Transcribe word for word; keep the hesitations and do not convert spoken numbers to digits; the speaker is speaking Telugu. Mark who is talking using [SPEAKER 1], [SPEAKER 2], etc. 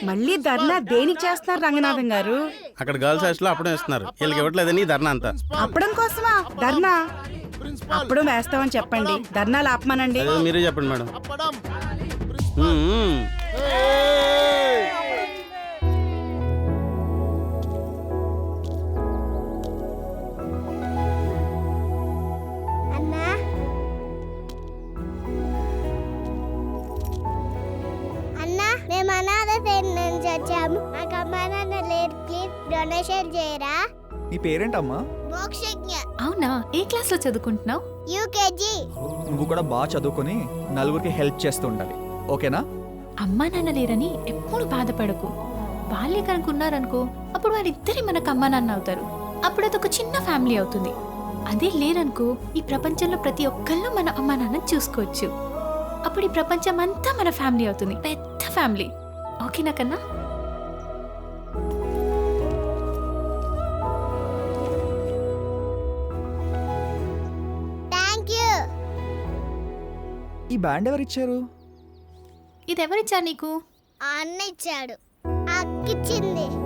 [SPEAKER 1] మళ్ళీ ధర్నా దేనికి చేస్తున్నారు రంగనాథం గారు?
[SPEAKER 2] అక్కడ గర్ల్స్ హాస్టల్ అప్పుడే ఇస్తున్నారు, వీళ్ళకి ఇవ్వట్లేదని ధర్నా అంతా.
[SPEAKER 1] అప్పడం కోసమా ధర్నా? అప్పడం వేస్తామని చెప్పండి, ధర్నాలు ఆపమానండి.
[SPEAKER 2] అదే మీరే చెప్పండి మేడం. మ్మ్.
[SPEAKER 3] మేము అనాథ నుంచి వచ్చాము, నాకు అమ్మా నాన్న లేరు, ప్లీజ్ డొనేషన్ చేయరా.
[SPEAKER 4] నీ పేరేంటమ్మా?
[SPEAKER 3] మోక్షజ్ఞ.
[SPEAKER 5] అవునా, ఏ క్లాస్ లో చదువుకుంటున్నావు?
[SPEAKER 3] యూకేజీ.
[SPEAKER 4] నువ్వు కూడా బాగా చదువుకొని నలుగురికి హెల్ప్ చేస్తూ ఉండాలి, ఓకేనా?
[SPEAKER 5] అమ్మా నాన్న లేరని ఎప్పుడు బాధపడకు. వాళ్ళే కనుకున్నారనుకో, అప్పుడు వారిద్దరే మనకు అమ్మా నాన్న అవుతారు. అప్పుడు అదొక చిన్న ఫ్యామిలీ అవుతుంది. అదే లేరనుకో, ఈ ప్రపంచంలో ప్రతి ఒక్కళ్ళు మన అమ్మా నాన్న చూసుకోవచ్చు. అప్పుడు ఈ ప్రపంచం అంతా మన ఫ్యామిలీ అవుతుంది, పెద్ద ఫ్యామిలీ. ఓకేనా కన్నా?
[SPEAKER 3] Thank you.
[SPEAKER 4] ఈ బ్యాండ్ ఎవరిచ్చారు?
[SPEAKER 5] ఇది ఎవరిచ్చారు నీకు?
[SPEAKER 3] ఆ అన్న ఇచ్చాడు, అక్కిచ్చింది.